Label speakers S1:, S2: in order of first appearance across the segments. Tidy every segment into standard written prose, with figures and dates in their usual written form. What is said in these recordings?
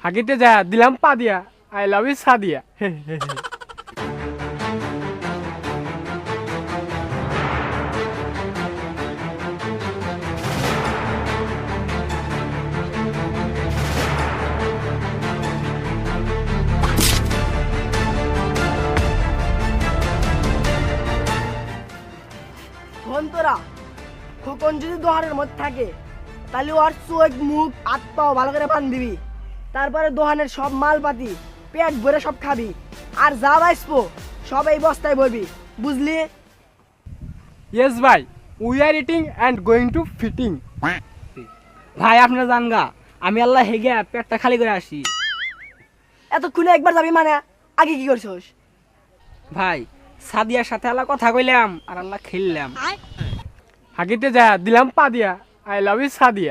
S1: হাগিতে যা দিলাম পা দিয়া, আই লাভ ইউ সাদিয়া।
S2: তোরা খোকন যদি দোহানের মধ্যে থাকে তাহলে ওর চোখ মুখ হাত পাও ভালো করে বান দিবি, তারপরে দোহানের সব মালপাতি পেট ভরে সব খাবি, আর যা বাঁচবো সব এই বস্তায় ভরবি, বুঝলি?
S1: ইয়েস ভাই, we are eating and going to fitting.
S3: ভাই আপনারা জান গা, আমি আল্লাহ হেগে পেটটা খালি করে আসি।
S2: এতক্ষণে একবার যাবি মানে আগে কি করছস?
S3: ভাই সাদিয়ার সাথে আল্লাহ কথা কইলাম আর আল্লাহ খেললাম।
S1: হাগিতে যা দিলাম পা দিয়া, আই লাভ ইউ সাদিয়া।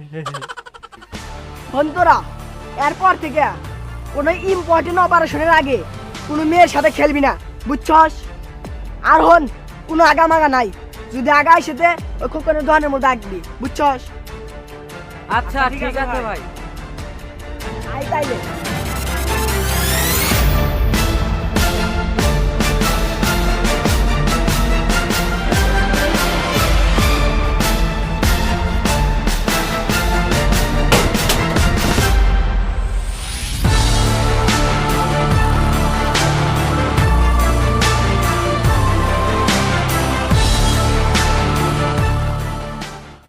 S2: তোরা এরপর থেকে কোনো ইম্পর্টেন্ট অপারেশনের আগে কোনো মেয়ের সাথে খেলবি না, বুঝছস? আর কোনো আগামাগা নাই, যদি আগায় সেতে ওই খোকনের দোকানের মধ্যে আঁকবি, বুঝছস?
S3: আচ্ছা ঠিক আছে ভাই।
S2: আই তাইলে